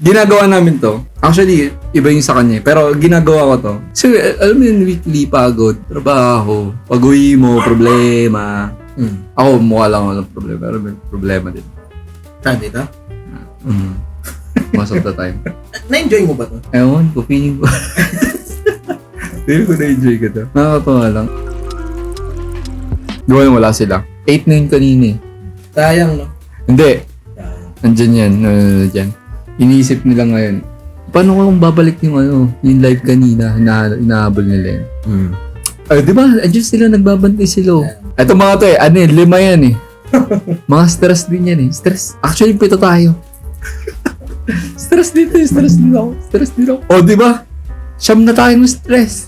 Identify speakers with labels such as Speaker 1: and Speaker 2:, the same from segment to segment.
Speaker 1: ginagawa namin to. Actually, iba yung sa kanya. Pero ginagawa ko to. So, alam mo yung weekly pagod, trabaho, pag-uwi mo, problema. Ako, mukha lang ako ng problema. Pero may problema din.
Speaker 2: Saan dito?
Speaker 1: Most of the time.
Speaker 2: Na-enjoy mo ba to?
Speaker 1: Ewan ko, feeling ko. Feeling ko na-enjoy ko to. Nakakatawa lang. Doon wala sila. 8 na yun kanina eh.
Speaker 2: Sayang, no?
Speaker 1: Hindi. Nandyan yan. Nandyan. Iniisip nila ngayon. Paano kung babalik yung yung live kanina, hinahabol nila yun. Ay, di ba? Andiyan sila, nagbabantay sila. Ito mga to 5 yan eh. Mga stress din yan eh. Stress. Actually, 7 tayo. Stress dito eh. Stress dito. O, di ba? 9 na tayo ng stress.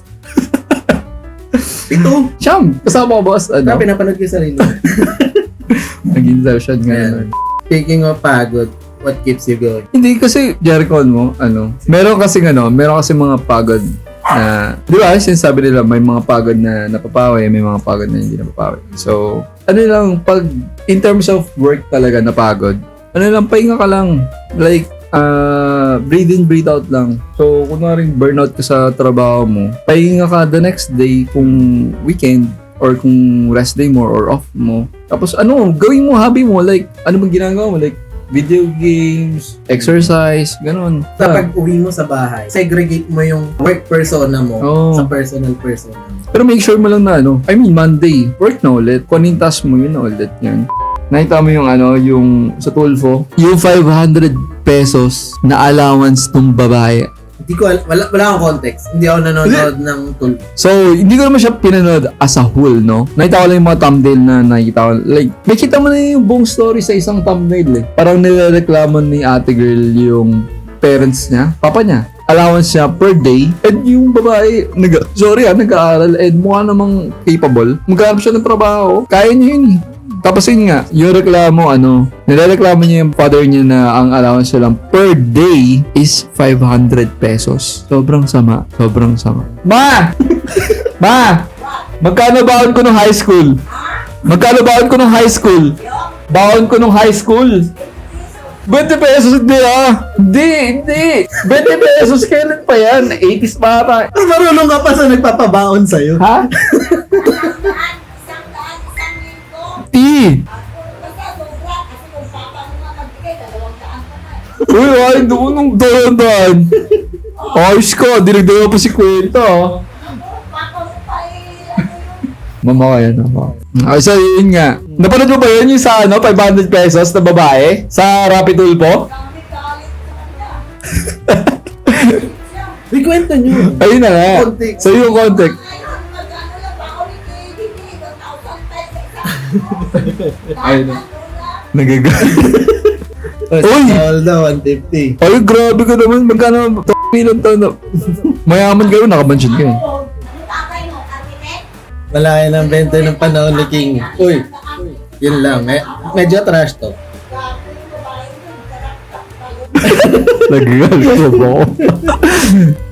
Speaker 2: 7?
Speaker 1: 9. Kasama ko boss.
Speaker 2: Na pinapanood ko sa sarili.
Speaker 1: Nag-insertion ngayon.
Speaker 2: Speaking of pagod, what keeps you going?
Speaker 1: Hindi kasi, Jericho mo, meron kasi mga pagod na, di ba, sinasabi nila, may mga pagod na napapawi, may mga pagod na hindi napapawi. So, pag, in terms of work talaga na pagod, pahinga ka lang. Like, breathe in, breathe out lang. So, kunwaring burnout ka sa trabaho mo, pahinga ka the next day kung weekend, or kung rest day mo or off mo. Tapos gawin mo, hobby mo, like, ano bang ginagawa mo? Like, video games, exercise, ganun.
Speaker 2: Kapag uwi mo sa bahay, segregate mo yung work persona mo sa personal persona mo.
Speaker 1: Pero make sure mo lang na Monday, work na ulit. Kung anong task mo, yun na ulit yan. Nakita mo yung sa Tulfo, yung 500 pesos na allowance ng babae.
Speaker 2: Hindi ko, wala akong context. Hindi ako nanonood ng Tulfo.
Speaker 1: So, hindi ko naman siya pinanood as a whole, no? Nakita ko lang yung mga thumbnail na nakita ko. Like, makita mo na yung buong story sa isang thumbnail, eh. Parang nilareklamo ni ate girl yung parents niya, papa niya. Allowance niya per day. And yung babae, nag-aaral and mukha namang capable. Maghanap siya ng trabaho. Kaya niya yun, eh. Tapos yun nga, yung reklamo, nilareklamo niya yung father niya na ang allowance niya lang per day is 500 pesos. Sobrang sama. Ma! Ma! Magkano baon ko nung high school? Baon ko nung high school? 20 pesos, hindi ah! Hindi! 20 pesos, kailan pa yan? 80s pa ata.
Speaker 2: Marunong ka pa sa nagpapabaon sa'yo.
Speaker 1: Ha? Uy, ay, doon nung doon. Ayos ka, dinagdaga pa si kwenta. Mama ka yan, mama. Ay, so yun nga. Napanood mo ba yun yung sa 500 pesos na babae? Sa Rapid Tulfo?
Speaker 2: May kwento nyo.
Speaker 1: Ayun na nga.
Speaker 2: Context.
Speaker 1: So yung context. Ayun na. Nagagalit. Uy!
Speaker 2: All na 150.
Speaker 1: Ay, grabe ka naman. Magkano? Ilang taon na. Mayaman kayo, nakabansyon ka eh.
Speaker 2: Malaki ng benta ng panahon ni King. Uy, yun lang. Medyo trash to.
Speaker 1: Nagagalit ko ba ako?